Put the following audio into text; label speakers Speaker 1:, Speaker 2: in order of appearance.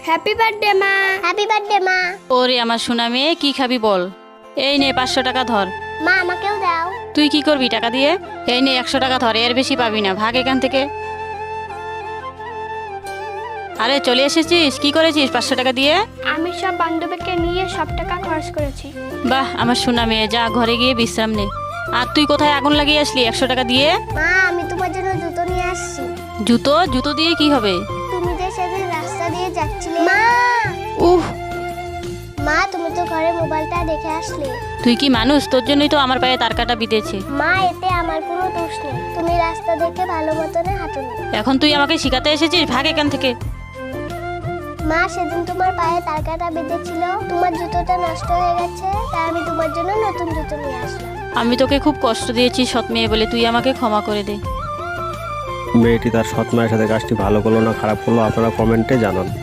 Speaker 1: Happy birthday মা।
Speaker 2: Happy birthday মা।
Speaker 3: ওরে আমার সোনা মেয়ে, কি খাবি বল? এই নে 500 টাকা ধর।
Speaker 2: মা আমাকেও দাও।
Speaker 3: তুই কি করবি টাকা দিয়ে? এই নে 100 টাকা ধর, এর বেশি পাবি না, ভাগ এখান থেকে। আরে চলে এসেছিস, কি করেছিস 500 টাকা দিয়ে?
Speaker 1: আমি সব বান্ধবীকে নিয়ে সব টাকা খরচ করেছি।
Speaker 3: বাহ আমার সোনা মেয়ে, যা ঘরে গিয়ে বিশ্রাম নে। আর তুই কোথায় আগুন লাগিয়ে আসলি 100 টাকা দিয়ে?
Speaker 2: মা আমি তোমার জন্য জুতো নিয়ে আসছি।
Speaker 3: জুতো? জুতো দিয়ে কি হবে?
Speaker 2: তুমি যে সেদিন রাস্তা দিয়ে যাচ্ছিলে। মা
Speaker 3: উহ,
Speaker 2: মা তুমি তো ঘরে মোবাইলটা দেখে আসলে।
Speaker 3: তুই কি মানুষ? তোর জন্যই তো আমার পায়ে তার কাটা বিঁধেছে।
Speaker 2: মা এতে আমার কোনো দোষ নেই, তুমি রাস্তা দেখে ভালো মতনে হাঁটুনি।
Speaker 3: এখন তুই আমাকে শিখাতে এসেছিস, ভাগ এখান থেকে।
Speaker 2: মা সেদিন তোমার পায়ে তার কাটা বেঁধেছিল, তোমার জুতোটা নষ্ট হয়ে গেছে, তাই আমি তোমার জন্য নতুন জুতো নিয়ে আসলাম।
Speaker 3: আমি তোকে খুব কষ্ট দিয়েছি সৎ মেয়ে বলে, তুই আমাকে ক্ষমা করে দে।
Speaker 4: মেয়েটি তার সৎ মায়ের সাথে কাজটি ভালো করলো না খারাপ করলো আপনারা কমেন্টে জানান।